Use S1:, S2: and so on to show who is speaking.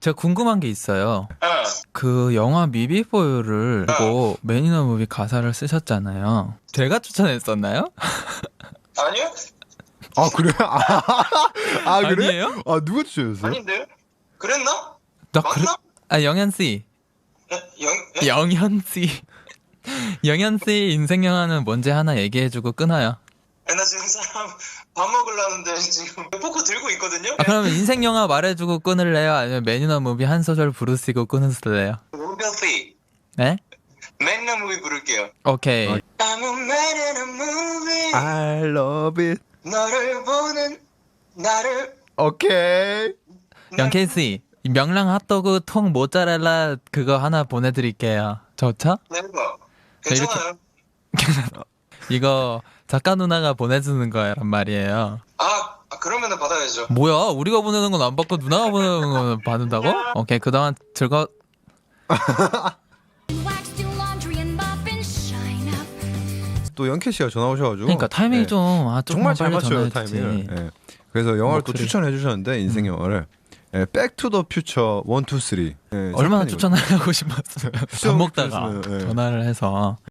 S1: 제가 궁금한 게 있어요.
S2: 어.
S1: 그 영화 미비포유를 보고 맨 인 더 무비 가사를 쓰셨잖아요. 제가 추천했었나요?
S2: 아니요?
S3: 아 그래? 아 그래?
S1: 아니에요?
S3: 아 누가 추천했어요?
S2: 아닌데요? 그랬나?
S1: 나 그래?
S2: 맞나?
S1: 아 영현 씨,
S2: 예?
S1: 영현 씨, 영현 씨 인생 영화는 뭔지 하나 얘기해주고 끊어요.
S2: 나 지금 사람 밥 먹으려는데 지금 포크 들고 있거든요?
S1: 아 그러면 인생 영화 말해주고 끊을래요? 아니면 맨 인 더 무비 한 소절 부르시고 끊으실래요?
S2: 로빈
S1: 네?
S2: 맨 인 무비 부를게요.
S1: 오케이.
S3: 아.
S2: I'm a man in a movie.
S3: I love it.
S2: 너를 보는 나를
S3: 오케이.
S1: 영케이 씨, 이 명랑 핫도그 통 모짜렐라 그거 하나 보내드릴게요. 좋죠?
S2: 네버
S1: 네, 이렇게-
S2: 괜찮아요.
S1: 이거 작가 누나가 보내주는 거란 말이에요.
S2: 그러면은 받아야죠.
S1: 뭐야? 우리가 보내는 건 안 받고 누나가 보내는 건 받는다고? 오케이, 그동안 즐거.
S4: Wax do laundry and mop and shine up.
S3: 또 영케 씨가 전화 오셔가지고.
S1: 그러니까 타이밍이
S3: 네.
S1: 좀
S3: 정말
S1: 조금만
S3: 잘
S1: 빨리
S3: 맞춰요
S1: 전화해주지.
S3: 타이밍을. 예. 그래서 영화를 또
S1: 목소리.
S3: 추천해 주셨는데 인생 영화를 백투더퓨처 1, 2, 3.
S1: 얼마나 추천하고 싶었어요. 밥 먹다가
S3: 추천했으면, 예.
S1: 전화를 해서.